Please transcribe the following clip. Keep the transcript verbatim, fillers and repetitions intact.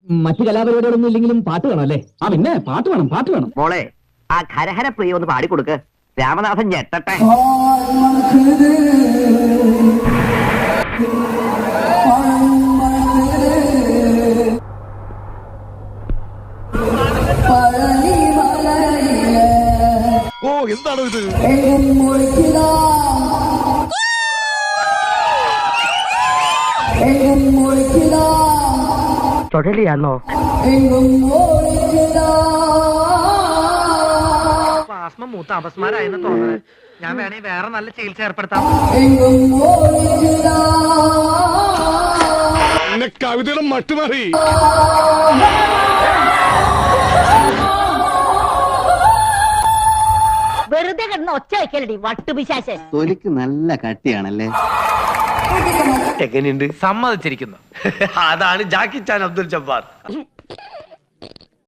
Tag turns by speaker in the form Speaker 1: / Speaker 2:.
Speaker 1: മറ്റു കലാപരിപാടികളൊന്നും ഇല്ലെങ്കിലും പാട്ട് വേണം അല്ലേ? ആ പിന്നെ പാട്ട് വേണം, പാട്ട് വേണം.
Speaker 2: മോളെ ആ ഖരഹര പ്രിയ ഒന്ന് പാടിക്കൊടുക്ക്, രാമനാഥൻ ഞെട്ടട്ടെ.
Speaker 3: ഓ എന്താണോ ഇത്?
Speaker 2: ചുഴലിയാണോ?
Speaker 4: ആസ്മ മൂത്ത അപസ്മാരായെന്ന് തോന്നുന്നത്. ഞാൻ വേണേ വേറെ നല്ല ചികിത്സ ഏർപ്പെടുത്താം.
Speaker 3: കവിതയുടെ മട്ടുമാറി.
Speaker 5: വെറുതെ കിടന്ന് ഒച്ച വയ്ക്കലടി വട്ടുപിശാശ്.
Speaker 6: തൊലിക്ക് നല്ല കട്ടിയാണല്ലേ?
Speaker 7: എങ്ങനെയുണ്ട്? സമ്മതിച്ചിരിക്കുന്നു. അതാണ് ജാക്കി ചാൻ അബ്ദുൽ ജബ്ബാർ.